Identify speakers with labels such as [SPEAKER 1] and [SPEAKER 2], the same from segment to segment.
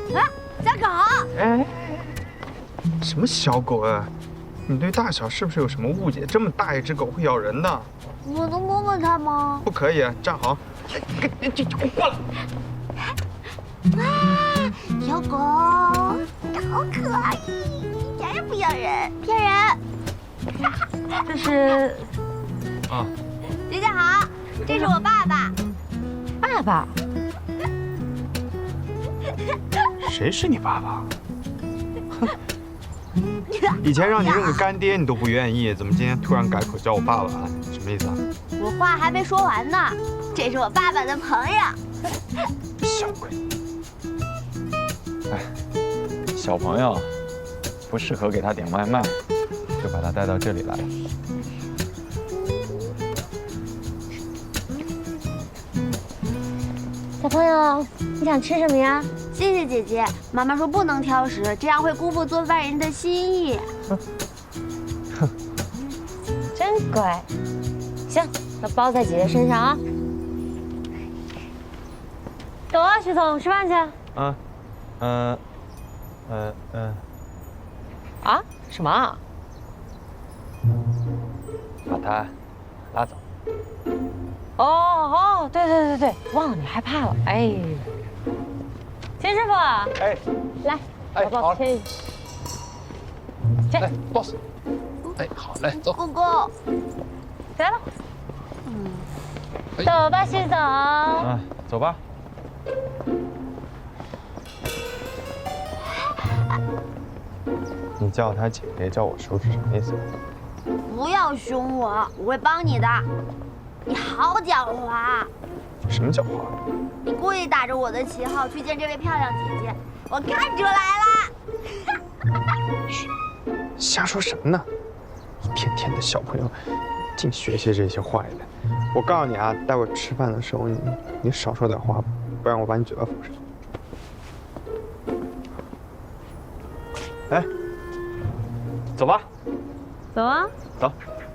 [SPEAKER 1] 啊，小狗！
[SPEAKER 2] 哎，什么小狗啊？你对大小是不是有什么误解？这么大一只狗会咬人的。
[SPEAKER 1] 我能摸摸它吗？
[SPEAKER 2] 不可以，站好。这过来。
[SPEAKER 1] 哇，小狗，好可爱，一点也不咬人，骗人。
[SPEAKER 3] 这是
[SPEAKER 2] 啊，
[SPEAKER 1] 姐姐好，这是我爸爸。
[SPEAKER 3] 爸爸。
[SPEAKER 2] 谁是你爸爸？哼，以前让你认个干爹你都不愿意，怎么今天突然改口叫我爸爸？什么意思啊？
[SPEAKER 1] 我话还没说完呢，这是我爸爸的朋友。
[SPEAKER 2] 小鬼。
[SPEAKER 4] 哎，小朋友不适合给他点外卖，就把他带到这里来了。
[SPEAKER 3] 小朋友，你想吃什么呀？
[SPEAKER 1] 谢谢姐姐，妈妈说不能挑食，这样会辜负做饭人的心意。
[SPEAKER 3] 真乖。行，那包在姐姐身上啊。走啊，徐总，吃饭去。啊？什么啊？
[SPEAKER 4] 把他拉走。
[SPEAKER 3] 哦，对，忘了你害怕了。哎，秦师傅，
[SPEAKER 4] 哎，
[SPEAKER 3] 来，
[SPEAKER 4] 哎
[SPEAKER 3] 把包牵一下。
[SPEAKER 4] 来，boss。哎，好嘞，走。
[SPEAKER 1] 公公，
[SPEAKER 3] 来了。走吧，徐总。
[SPEAKER 4] 走吧。
[SPEAKER 2] 你叫他姐姐，叫我叔是什么意思？
[SPEAKER 1] 不要凶我，我会帮你的。你好狡猾，
[SPEAKER 2] 什么狡猾？
[SPEAKER 1] 你故意打着我的旗号去见这位漂亮姐姐，我看出来了。
[SPEAKER 2] 瞎说什么呢？一天天的小朋友，净学习这些坏的。我告诉你啊，待会儿吃饭的时候你少说点话，不然我把你嘴巴缝上。哎，走吧。
[SPEAKER 3] 走啊。
[SPEAKER 2] 走。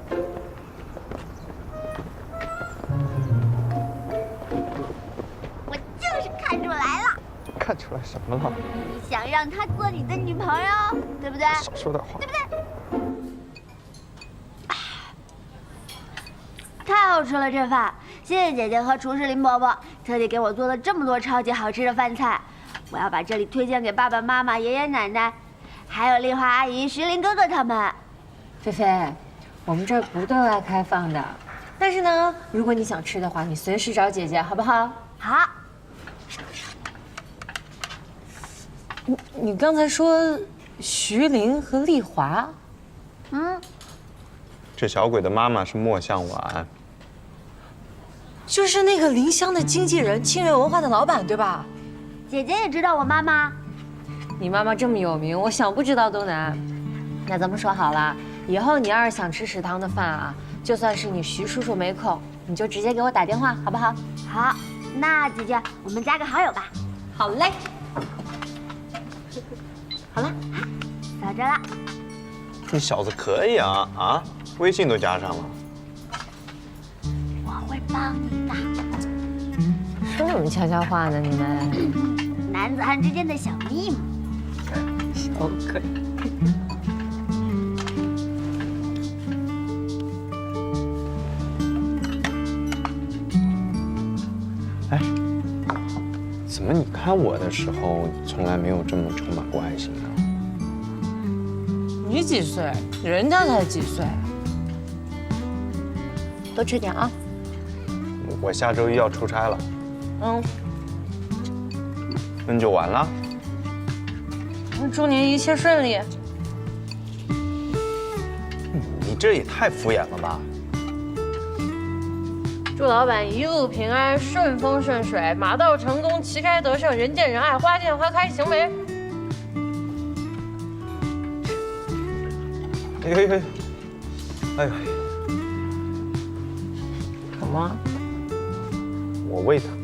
[SPEAKER 1] 我就是看出来了，
[SPEAKER 2] 看出来什么了？
[SPEAKER 1] 你想让她做你的女朋友，对不对？
[SPEAKER 2] 少说点话。
[SPEAKER 1] 对不对？太好吃了这饭，谢谢姐姐和厨师林伯伯特地给我做了这么多超级好吃的饭菜，我要把这里推荐给爸爸妈妈、爷爷奶奶，还有丽华阿姨、徐林哥哥他们。
[SPEAKER 3] 菲菲，我们这儿不对外开放的，但是呢，如果你想吃的话，你随时找姐姐，好不好？
[SPEAKER 1] 好，
[SPEAKER 3] 你刚才说徐林和丽华，
[SPEAKER 2] 这小鬼的妈妈是莫向晚，
[SPEAKER 3] 就是那个林香的经纪人，清源文化的老板，对吧？
[SPEAKER 1] 姐姐也知道我妈妈。
[SPEAKER 3] 你妈妈这么有名，我想不知道都难。那咱们说好了，以后你要是想吃食堂的饭啊，就算是你徐叔叔没空，你就直接给我打电话，好不好？
[SPEAKER 1] 好，那姐姐，我们加个好友吧。
[SPEAKER 3] 好嘞。好了，
[SPEAKER 1] 扫着了。
[SPEAKER 2] 你小子可以啊啊！微信都加上了。
[SPEAKER 1] 我会帮你的。
[SPEAKER 3] 说什么悄悄话呢？你们
[SPEAKER 1] 男子汉之间的小秘密。
[SPEAKER 3] 小鬼。
[SPEAKER 2] 哎，怎么你看我的时候从来没有这么充满过爱心呢？
[SPEAKER 3] 你几岁？人家才几岁。多吃点啊。
[SPEAKER 2] 我下周一要出差了。那就完了。
[SPEAKER 3] 祝您一切顺利。
[SPEAKER 2] 你这也太敷衍了吧！
[SPEAKER 3] 祝老板一路平安，顺风顺水，马到成功，旗开得胜，人见人爱，花见花开，行为。
[SPEAKER 2] 哎呦呦！哎呦！
[SPEAKER 3] 什么？
[SPEAKER 2] 我胃疼。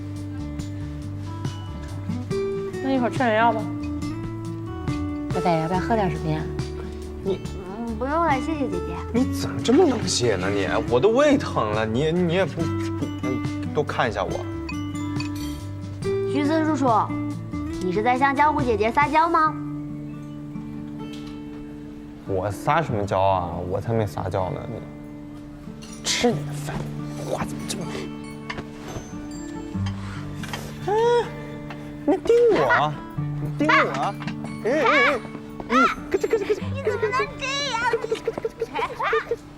[SPEAKER 3] 那一会儿吃点药吧。贝贝，要不要喝点什么呀？
[SPEAKER 1] 不用了，谢谢姐姐。
[SPEAKER 2] 你怎么这么冷血呢你？我都胃疼了，你也不多看一下我。
[SPEAKER 1] 徐森叔叔， 你是在向江湖姐姐撒娇吗？
[SPEAKER 2] 我撒什么娇啊？我才没撒娇呢！你吃你的饭，话怎么这么多？你盯我，你盯我！咯吱咯吱咯吱，
[SPEAKER 1] 你怎么能这样？